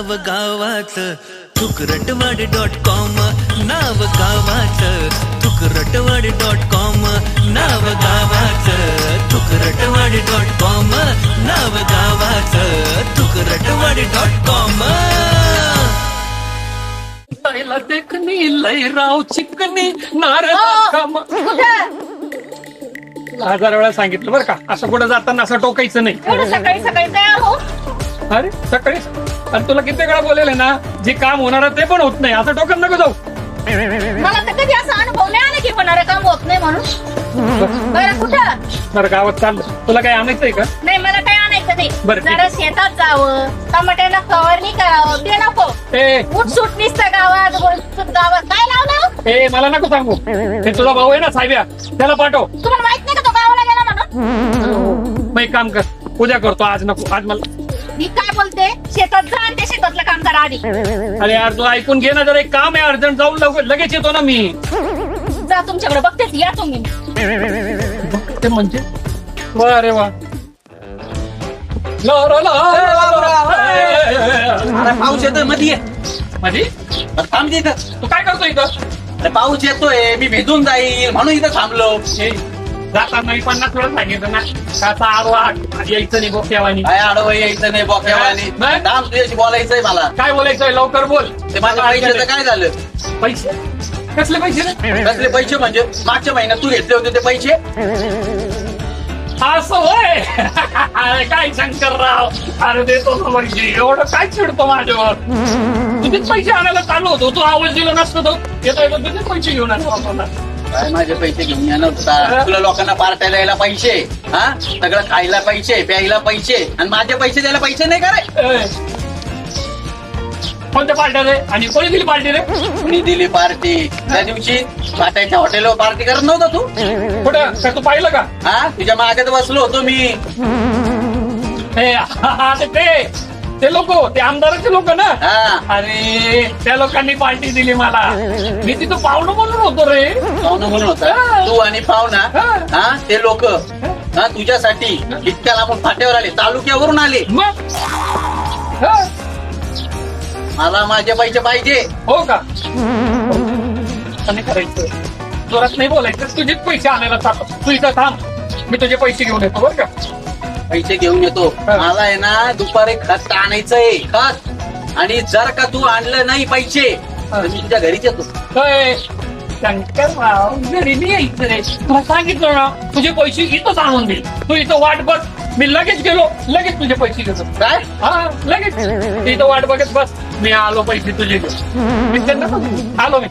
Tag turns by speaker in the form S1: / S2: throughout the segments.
S1: नाव गावाचं तुकरटवाडी.com, नाव गावाचं तुकरटवाडी.com, नाव गावाचं तुकरटवाडी.com, नाव गावाचं तुकरटवाडी.com.
S2: देखणी लयराव चिकनी नारळ 1000 वेळा सांगितलं बरं का, असं कुठं जाताना असं टोकायचं नाही.
S3: सकाळी सकाळी तयार हो.
S2: अरे सकाळी आणि तुला किती वेळा बोलेले ना, जे काम होणार ते पण होत नाही, असं टोकन नको जाऊ.
S3: मला तर कधी असा अनुभव नाही आला की होणारं काम होत नाही म्हणून. बरं कुठं?
S2: बरं गावात चाललं. तुला काही आणायचंय का?
S3: नाही मला काही आणायचं नाही.
S2: बरं, ठीक
S3: जरा शेतात जावं, टमाट्याला फवारणी करावं, ते नको. उठसूट निसतं गावात गावात काय लावलं?
S2: ए मला नको सांगू, हे तुझा भाऊ आहे ना साहेब्या, त्याला पाठव.
S3: तुम्हाला माहित नाही का तो गावाला गेला म्हणून?
S2: मग एक काम कर, उद्या करतो, आज नको. आज मला
S3: मी काय बोलते, शेतात जा आणि ते शेतातलं काम करा आधी.
S2: अरे यार तू ऐकून घे ना, जरा एक काम आहे अर्जंट, जाऊन लगेच येतो ना मी.
S3: जा तुमच्याकडे बघतेच, या तुम्ही.
S2: ते म्हणजे वा वा.
S4: अरे पाऊस येतोय मध्ये
S2: माझी
S4: थांब इथं.
S2: तू काय करतो इथं?
S4: अरे पाऊस येतोय, मी भेटून जाईल म्हणून इथं थांबलो.
S2: जाताना 50 वेळा सांगितलं ना, काचा आडवा यायचं नाही बोक्यावानी.
S4: काय आडवं यायचं नाही बोक्यावानी.
S2: नाही.
S4: थांब तुझ्याशी बोलायचंय मला.
S2: काय बोलायचंय लवकर बोल.
S4: ते माझ्या पैशाचं काय झालं?
S2: पैसे कसले पैसे रे?
S4: कसले पैसे म्हणजे मागच्या महिन्यात तू घेतले होते ते पैसे.
S2: असं होय. अरे काय शंकरराव, अरे देतो ना पैसे, एवढं काय चिडतो माझ्यावर. तुझेच पैसे आणायला चालू होतो, तू आवाज दिला नसतो तो येतो येतो तुझेच पैसे घेऊन आला.
S4: काय माझे पैसे घेऊन येणार होता? तुला लोकांना पार्ट्या द्यायला पैसे, हा सगळं खायला पैसे, प्यायला पैसे, आणि माझे पैसे द्यायला पैसे नाही का रे?
S2: कोणत्या पार्ट्या रे? आणि कोणी दिली पार्टी रे?
S4: मी दिली पार्टी त्या दिवशी पाट्याच्या हॉटेलवर पार्टी करत नव्हता तू?
S2: कुठं का तू पाहिलं का?
S4: हा तुझ्या मागत बसलो होतो मी.
S2: ते लोक, ते आमदाराचे लोक ना.
S4: हा
S2: अरे त्या लोकांनी पार्टी दिली मला, मी तिथं पाहुणं म्हणून होतो रे.
S4: पाहुणं म्हणून होता तू आणि पाहुणा. हा ते लोक हा तुझ्यासाठी इतक्या लांबून फाट्यावर आले, तालुक्यावरून आले.
S2: मग
S4: मला माझे पैसे पाहिजे.
S2: हो का? आणि करायचं जोरात नाही बोलायचं, तुझेच पैसे आणायला चालतो. तू इथं थांब, मी तुझे पैसे घेऊन येतो बरं का.
S4: पैसे घेऊन येतो. मला आहे ना दुपारी खत आणायचंय, खत. आणि जर का तू आणलं नाही पैसे तर मी तुझ्या घरीच येतो.
S2: शंकरराव घरी नाही यायचं रे, तुला सांगितलं ना तुझे पैसे इथंच आणून दे. तू इथं वाट बघ, मी लगेच गेलो, लगेच तुझे पैसे घेतो.
S4: काय?
S2: हा लगेच इथं वाट बघत बस, मी आलो पैसे तुझे घेऊन. मी त्यांना आलो मी.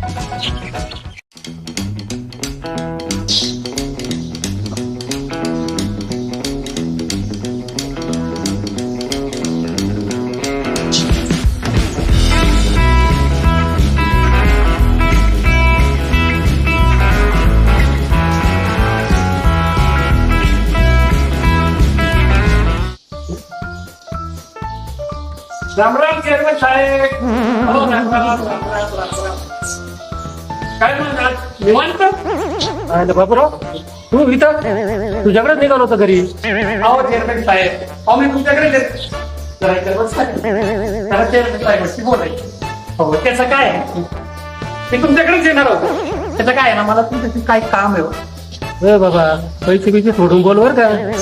S2: राम राम चेअरमन साहेब. हो राम राम. काय म्हणतात निवांत?
S5: बाबूराव तू इथं तुझ्याकडेच निघालो होतं घरी.
S2: हो चेअरमन साहेब, अहो मी तुमच्याकडे चेअरमन साहेब बोलायचं. हो त्याचं काय आहे, मी तुमच्याकडेच येणार होतो. त्याचं काय आहे ना, मला तुमच्याशी काय काम आहे.
S5: बाबा पैसे बिसे सोडून बोल बर का.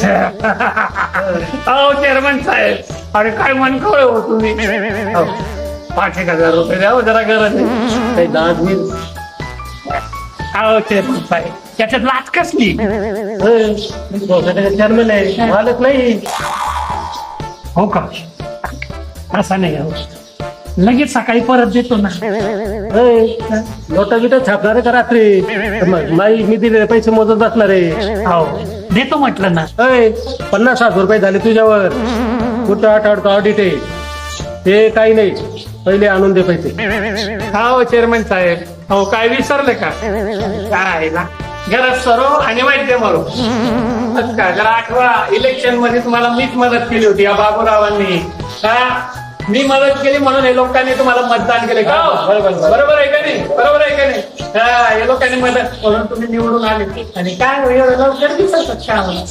S2: अहो चेअरमन साहेब, अरे काय मन कळ हो तुम्ही. 5,000 रुपये द्यावं जरा गरज आहे.
S5: काही दाद होईल.
S2: अहो चेअरमन साहेब, त्याच्यात लाच कसली.
S5: चेअरमन आहे, मालक नाही.
S2: हो का? असं नाही हो, लगेच सकाळी परत देतो ना.
S5: नोटा बिटा छापणार का रात्री? मी दिलेले पैसे मोजत बसणार आहे.
S2: हो देतो म्हटलं ना.
S5: 50,000 रुपये झाले तुझ्यावर. कुठं आठवडतो ऑडिट आहे ते काही नाही, पहिले आणून दे पैसे.
S2: हो चेअरमन साहेब, हो काय विसरले का? काय ना घरात सरो आणि वैद्य मरो. का जरा आठवा, इलेक्शन मध्ये तुम्हाला मीच मदत केली होती या बाबूरावांनी. का मी मदत केली म्हणून हे लोकांनी तुम्हाला मतदान केले का? बरोबर आहे का नाही? बरोबर आहे का नाही? हे लोकांनी मदत म्हणून तुम्ही निवडून आले. आणि काय लवकर दिसत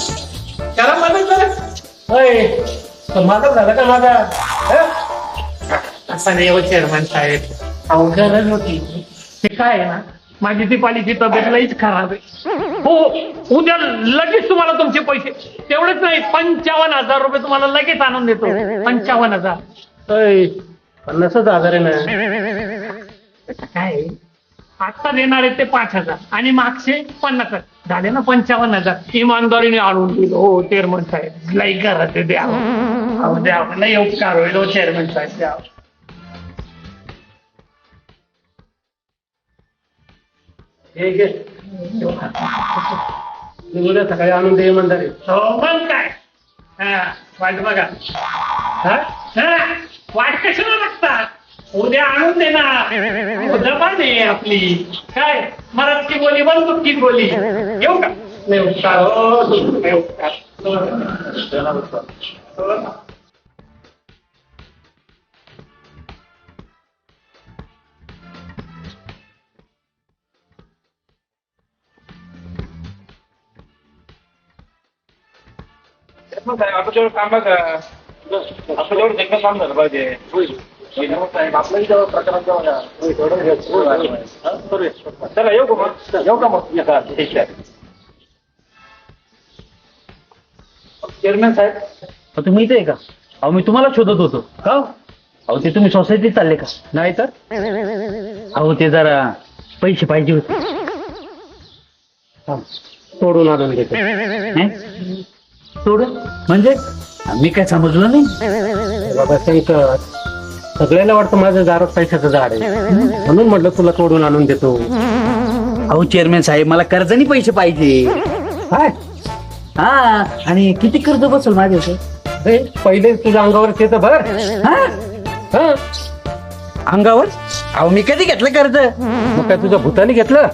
S2: करा मदत करा.
S5: मालक झाला का माझा?
S2: असं नाही हो चेअरमन साहेब, अहो गरज होती. ते काय आहे ना, माझी दीपालीची तब्येत लईच खराब आहे. हो, उद्या लगेच तुम्हाला तुमचे पैसे, तेवढेच नाही 55,000 रुपये तुम्हाला लगेच आणून देतो. 55,000.
S5: 50,000 आहे ना.
S2: काय आता देणार आहे ते 5,000 आणि मागचे 50,000 झाले ना 55,000. इमानदारीने आणून दिलो हो चेअरमन साहेब. लई घरात द्यावं, अहो द्यावं, लई उपकार होईल हो चेअरमन साहेब, द्यावं.
S5: हे घे. मी उद्या सकाळी आणून दे इमानदारी.
S2: हो मग काय, हा वाट बघा. हा हा, वाट कशाला लागतात, उद्या आणून देणार. जबान आहे आपली, काय मराठी बोली बंदुकी बोली. येऊ का? नाही उपकार हो, नाही उपकार.
S6: मग काय आपण जेवढं काम बघा, आपण जेवढं देखणं काम झालं पाहिजे. आपल्याही जेव्हा प्रकरण चला येऊ का मग, येऊ का मग. ठीक आहे चेअरमॅन साहेब,
S4: तुम्ही इथे आहे का? अहो मी तुम्हाला शोधत होतो.
S5: का?
S4: अहो ते तुम्ही सोसायटीत चालले का?
S5: नाही तर
S4: अहो ते जरा पैसे पाहिजे होते.
S5: तोडून आणून घेतो.
S4: हं? सोडून म्हणजे मी काय समजलं नाही.
S5: बाबा शंकर, सगळ्याला वाटतं माझं दारात पैशाचं झाड आहे, म्हणून म्हटलं तुला तोडून आणून देतो.
S4: अहो चेअरमॅन साहेब, मला कर्जानी पैसे पाहिजे.
S5: काय?
S4: हा, आणि किती कर्ज बसेल माझे?
S5: अरे पहिले तुझ्या अंगावर येतं भर. हा,
S4: अंगावर? अहो मी कधी घेतलं कर्ज?
S5: मग काय तुझ्या भूताने घेतलं?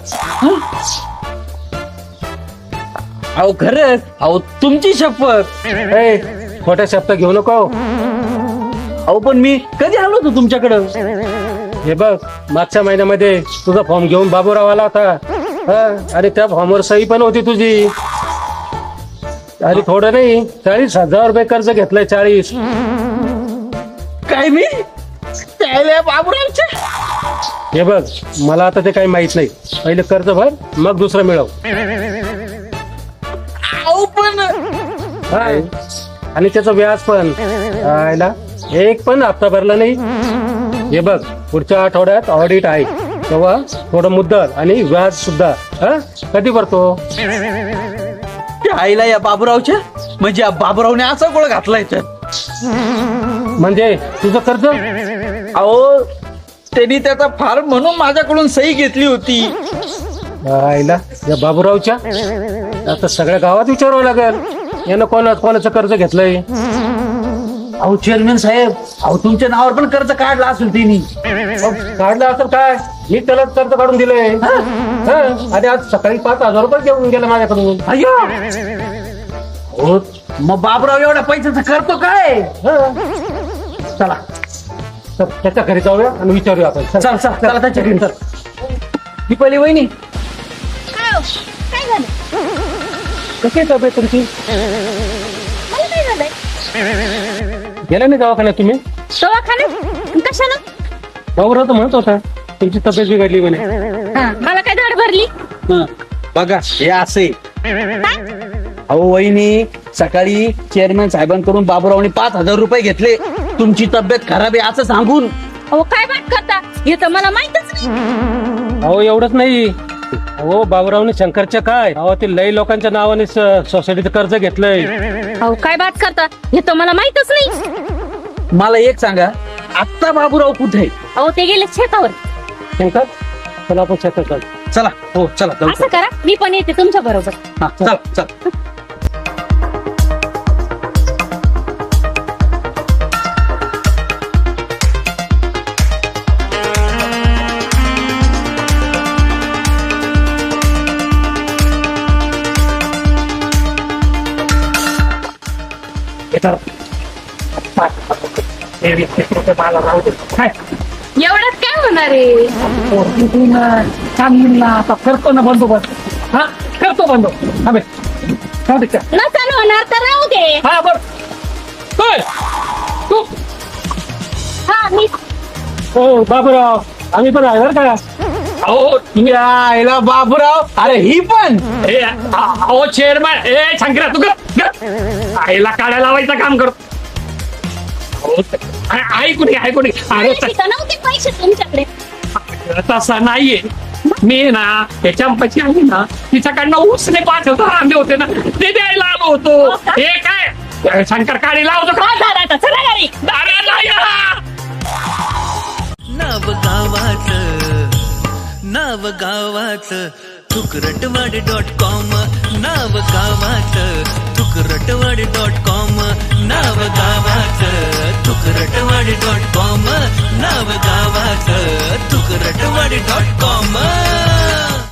S4: अहो खरंच, अहो तुमची शपथ.
S5: ए, खोट्या शब्द घेऊ नको.
S4: अहो पण मी कधी आलो होतो तुमच्याकडं?
S5: हे बघ, मागच्या महिन्यामध्ये तुझा फॉर्म घेऊन बाबूराव आला होता. हा, आणि त्या फॉर्मवर सही पण होती तुझी. आणि थोडं नाही, 40,000 रुपये कर्ज घेतलंय. 40.
S4: काय मी त्याला बाबूरावचे?
S5: हे बघ, मला आता ते काही माहित नाही. पहिले कर्ज भर, मग दुसरं मिळव.
S4: अहो पण
S5: हा, आणि त्याचं व्याज पण. आयला, एक पण हप्ता भरला नाही. हे बघ, पुढच्या आठवड्यात ऑडिट आहे, तेव्हा थोडं मुद्दल आणि व्याज सुद्धा. हा, कधी भरतो?
S4: त्या आईला या बाबूरावच्या, म्हणजे या बाबूरावने असा गोळ घातलाय तर.
S5: म्हणजे तुझं कर्ज?
S4: अहो त्यांनी त्याचा फार्म म्हणून माझ्याकडून सही घेतली होती.
S5: आईला, या बाबूरावच्या आता सगळ्या गावात विचारावं लागेल यानं कोणाचं कर्ज घेतलंय.
S4: अहो चेअरमॅन साहेब, अहो तुमच्या नावावर पण कर्ज काढला असेल त्यांनी.
S5: काढलं असेल काय? मी त्याला कर्ज काढून दिलंय. हा, आणि आज सकाळी 5,000 रुपये घेऊन गेला माझ्याकडून.
S4: अय्यो, हो मग बाबूराव एवढ्या पैशाचं करतो काय?
S5: हा. चला, तर त्याच्या घरी जाऊया आणि विचारूया आपण.
S4: चल चल चला त्याच्या घरी. दीपाली वहिनी,
S3: काय हो? काय झालं?
S5: कशी आहे तब्येत तुमची?
S3: मला काय झालंय?
S5: गेला नाही दवाखान्यात तुम्ही?
S3: दवाखान्यात कशाला?
S5: बाबूराव तर म्हणत होता तुमची तब्येत बिघडली म्हणे.
S3: मला काय धाड भरली?
S4: बघा हे असे. अहो वहिनी, सकाळी चेअरमॅन साहेबांकडून बाबूरावने 5,000 रुपये घेतले तुमची तब्येत खराब आहे असं सांगून.
S3: अहो काय बात करता, हे तर मला माहितच नाही.
S5: अहो एवढंच नाही, हो बाबूरावने शंकरच्या काय गावातील लई लोकांच्या नावाने सोसायटीचं कर्ज घेतलंय.
S3: अहो काय बात करता, हे तर मला माहितच नाही.
S4: मला एक सांगा, आत्ता बाबूराव कुठे आहे?
S3: अहो ते गेले शेतावर.
S5: शंकर, चला आपण शेतात जाऊ.
S4: चला, हो चला जाऊ.
S3: असं करा, मी पण येते तुमच्या बरोबर.
S4: हा, चल चल.
S2: मला राहू दे. काय?
S3: एवढ्यात काय होणार आहे?
S2: सांगितलं आता करतो ना बंदोबस्त. हा, करतो बंदोबस्त. हा बे, राहू दे का?
S3: नसेल होणार तर राहू दे.
S2: हा बर. होय, तू
S3: हा मी
S5: हो बाबूराव आम्ही पण आहे बरं का.
S2: अहो तुम्ही
S4: आईला बाबूराव अरे ही पण
S2: अहो चेअरमॅन शंकरा तू आईला काड्या लावायचं काम करतो. ऐकून अरे
S3: तिथं नव्हते पैसे तुमच्याकडे.
S2: तसा नाहीये मी ना त्याच्यापाशी आहे ना तिच्याकडनं उसने 5,000 आणले होते ना ते द्यायला आलो होतो. हे काय शंकर काडी लावतो का?
S3: आता चला घरी.
S2: अरे नाही ना.
S1: नाव गावाचं तुकरटवाडी.com नाव गावाचं तुकरटवाडी.com नाव गावाचं तुकरटवाडी.com नाव गावाचं तुकरटवाडी.com